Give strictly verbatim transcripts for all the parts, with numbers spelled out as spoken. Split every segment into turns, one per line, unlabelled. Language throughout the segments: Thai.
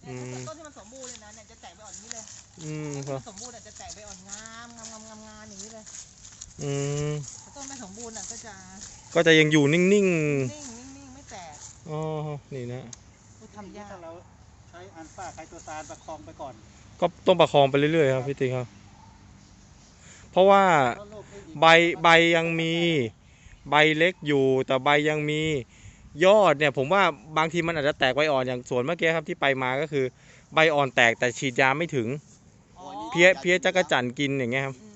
ต้นที่มันสมบูรณ์เลยนะเนี่ยจะแตกใบอ่อนนี้เลย
อืม
ครับสมบูรณ์จะแตกใบอ่อนงามงามงามงามงามอย่างนี้เลย
อืม
ต้นไม่สมบูรณ์อ่ะก็จะ
ก็จะยังอยู่นิ่งๆนิ่ง
นิ่งนิ่งไม่แตก
อ๋อนี่นะ
ทำยาก
ถ้าเราใช้อันฟ้าไคโตซานประคองไปก่อน
ก็ต้องประคองไปเรื่อยๆครับพี่ติ๊กครับเพราะว่าใบใบยังมีใบเล็กอยู่แต่ใบยังมียอดเนี่ยผมว่าบางทีมันอาจจะแตกใบอ่อนอย่างสวนเมื่อกี้ครับที่ไปมาก็คือใบอ่อนแตกแต่ฉีดยาไม่ถึงเพี้ยเพี้ยจักรจั่นกินอย่างเงี้ยครับ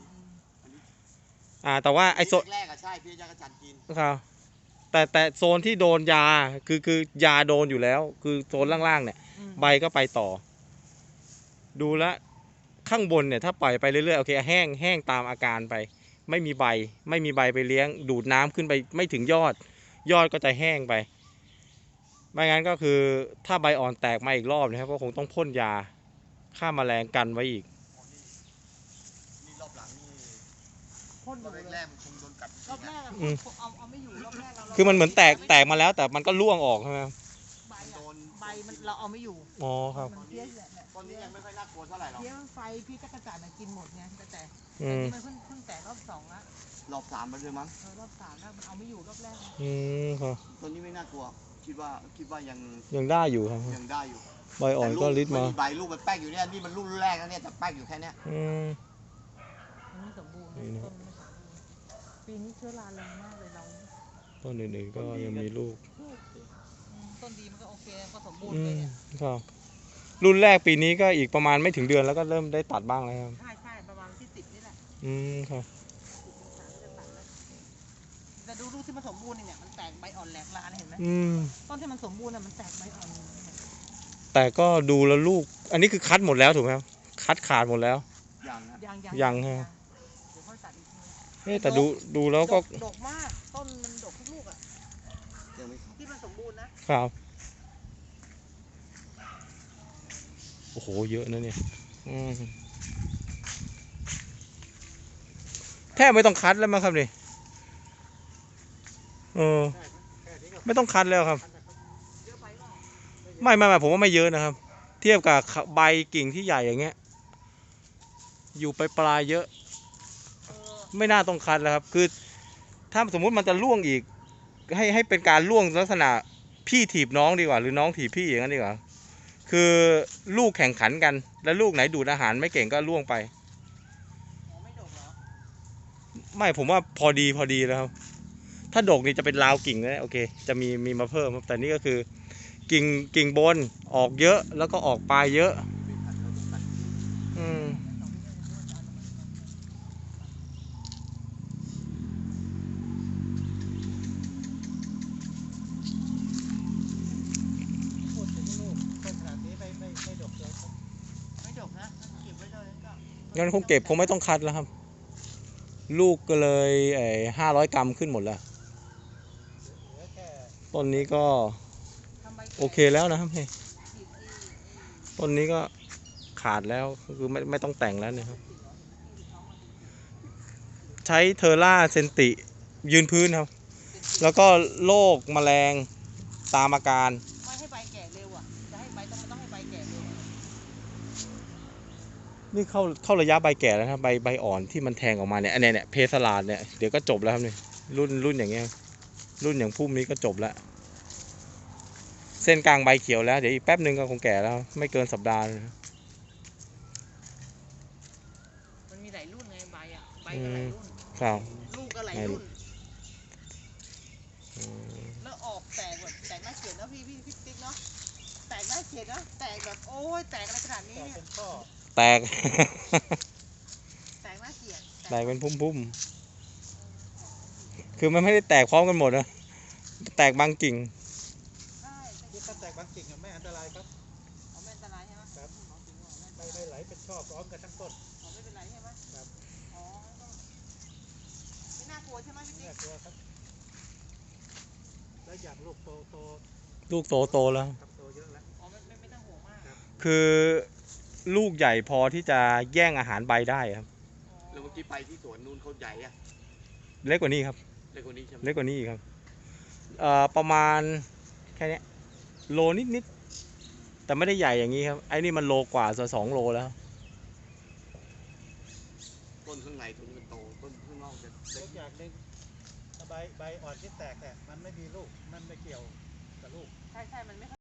อ่าแต่ว่าไอโซน
แรกอะใช่เพี้ยจักรจั่นกิน
ครับแต่แต่โซนที่โดนยาคือคือยาโดนอยู่แล้วคือโซนล่างๆเนี่ยใบก็ไปต่อดูแลข้างบนเนี่ยถ้าปล่อยไปเรื่อยๆโอเคแห้งแห้งตามอาการไปไม่มีใบไม่มีใบไปเลี้ยงดูดน้ำขึ้นไปไม่ถึงยอดยอดก็จะแห้งไปไม่งั้นก็คือถ้าใบอ่อนแตกมาอีกรอบนะครับก็คงต้องพ่นยาฆ่าแมลงกันไว้อีก
นี่รอบหลังนี่
พ่น
รอบแรกมันคงโดนกัด
รอบแรกเอาเอาไม่อยู่รอบแรกเรา
คือมันเหมือนแตกแตกมาแล้วแต่มันก็ร่วงออกใช่ไหม
ใบใบมันเราเอาไม่อยู่
อ๋อครับ
เพี้ย
ตอนนี้ยังไม่ค่อยน่ากลัวเท่าไหร่หรอก
เพี้ยไฟพี่จักรจั่นกินหมดไงแต่แต่นี่มันเพิ่งเพิ่งแตกรอบสองละ
รอบสามไปเลยมั้ง
รอบสามแล้วมันเอาไม่อยู่รอบแรก
อืมครับ
ตอนนี้ไม่น่ากลัวคิดว่าคิดว่ายัง
ยังได้อยู่ครับ
ยังได้อยู่
ใบอ่อนก็ริดมา
ใบลูกมันแป๊กอยู่เนี่ยนี่มันลูกแรกนะเนี่ยแต่แป๊กอยู่แค่นี้
อืม
มันไม่สมบูรณ์ต้นไม่สมบูรณ์ปีนี้เชื้อราแรงมากเลยเรา
ต้นอื่นๆก็ยังมีลูก
ต้นดีมันก็โอเคก็สมบูรณ์เลยเนี่ย
ครับรุ่นแรกปีนี้ก็อีกประมาณไม่ถึงเดือนแล้วก็เริ่มได้ตัดบ้างแล้วครับ
ใช่ใช่ประมาณที่สิบนี่แหละ
อืมครับ
แต่ดูลูกที่มันสมบูรณ์เนี่ยมันแตกใบอ่อนแหลกลานเห็นไหมต้นที่มันสมบูรณ์น่ะมันแตกใบอ่อน
แต่ก็ดูแล้วลูกอันนี้คือคัดหมดแล้วถูกไหมครับคัดขาดหมดแล้ว
ยัง
ยัง
ยังฮะเอ๊ะแต่ดูดูแล้วก็
ดกมากต้นมันดกทุกลูกอ่ะที่มันสมบูรณ์
นะครับโอ้โหเยอะนะเนี่ยแทบไม่ต้องคัดแล้วมั้งครับนี่เออไม่ต้องคัดแล้วครับไม่ไม่ไม่ผมว่าไม่เยอะนะครับเทียบกับใบกิ่งที่ใหญ่อย่างเงี้ยอยู่ไปปลายเยอะไม่น่าต้องคัดแล้วครับคือถ้าสมมุติมันจะล่วงอีกให้ให้เป็นการล่วงลักษณะพี่ถีบน้องดีกว่าหรือน้องถีบพี่อย่างนั้นดีกว่าคือลูกแข่งขันกันแล้วลูกไหนดูดอาหารไม่เก่งก็ล่วงไป
ไม่ดกเหรอ
ไม่ผมว่าพอดีพอดีแล้วครับถ้าดกนี่จะเป็นราวกิ่งนะโอเคจะมีมีมาเพิ่มแต่นี่ก็คือกิ่งกิ่งบนออกเยอะแล้วก็ออกปลายเยอะอืมงั้นคงเก็บคงไม่ต้องคัดแล้วครับลูกก็เลยไอ้ห้าร้อยกรัมขึ้นหมดแล้วต้นนี้ก็โอเคแล้วนะครับนี่ต้นนี้ก็ขาดแล้วคือไม่ไม่ต้องแต่งแล้วเนี่ยครับใช้เทอร่าเซนติยืนพื้นครับแล้วก็โรคแมลงตามอาการ
ไม่ให้ใบแก่เร็วอ่ะจะให้ใบต้องมันต้องให้ใบแก่เร็ว
นี่เข้าเข้าระยะใบแก่แล้วครับใบใบอ่อนที่มันแทงออกมาเนี่ยอันนี้เนี่ยเพสลาดเนี่ยเดี๋ยวก็จบแล้วครับนี่รุ่นรุ่นอย่างเงี้ยรุ่นอย่างพุ่มนี้ก็จบแล้วเส้นกลางใบเขียวแล้วเดี๋ยวอีกแป๊บนึงก็คงแก่แล้วไม่เกินสัปดาห์
มันมีหลายรุ่นไงใบอ่ะใบก็หลายรุ่น
ครับ
ลูกก็หลายรุ่นแล้วออกแตกแบบแตกน่าเกลียดนะพี่พี่พี่ติ๊กเนาะแตกน่าเกลียดนะแตกแบบโอ้ยแตกอะไรขนาดนี้เนี่ย
แตก
แตกน่าเกลียด
แตกเป็นพุ่มๆคือมันไม่ได้แตกพร้อมกันหมดนะแตกบางกิ่ง
ที่ถ้าแตกบางกิ่งไม่อันตรายครับ
ไม่อันตรายใช่ไหม
ครับไม่ไม่ไหลเป็นช่อพร้อมกันทั้งต้น
ไม่เป็นไรใช่ไหมครับอ๋อไม่น่ากลัวใช่ไหมพี่ติ๊ก
ไม่น่ากลัวครับแล้วอยากลูกโตโต
ลูกโตโตแล้ว
โตเยอะแล้ว
อ๋อไม่ไม่ต้องห่วงมาก
คือลูกใหญ่พอที่จะแย่งอาหารใบได้ครับ
แล้วเมื่อกี้ไปที่สวนนู้นเขาใหญ่อะ
เล็กกว่านี้ครับ
เล็กกว่านี้ใช่ไหม
เล็กกว่านี้ครับเอ่อประมาณแค่นี้โลนิดนิดแต่ไม่ได้ใหญ่อย่างนี้ครับไอ้นี่มันโลกว่าสองโลแล้ว
ต้นข้างในตรงนี้มันโตต้นข้างนอกจะ
เล็กอย่างหนึ่งใบใบอ่อนที่แตกเนี่ยมันไม่มีลูกมันไม่เกี่ยวกับลูก
ใช่ใช่มันไม่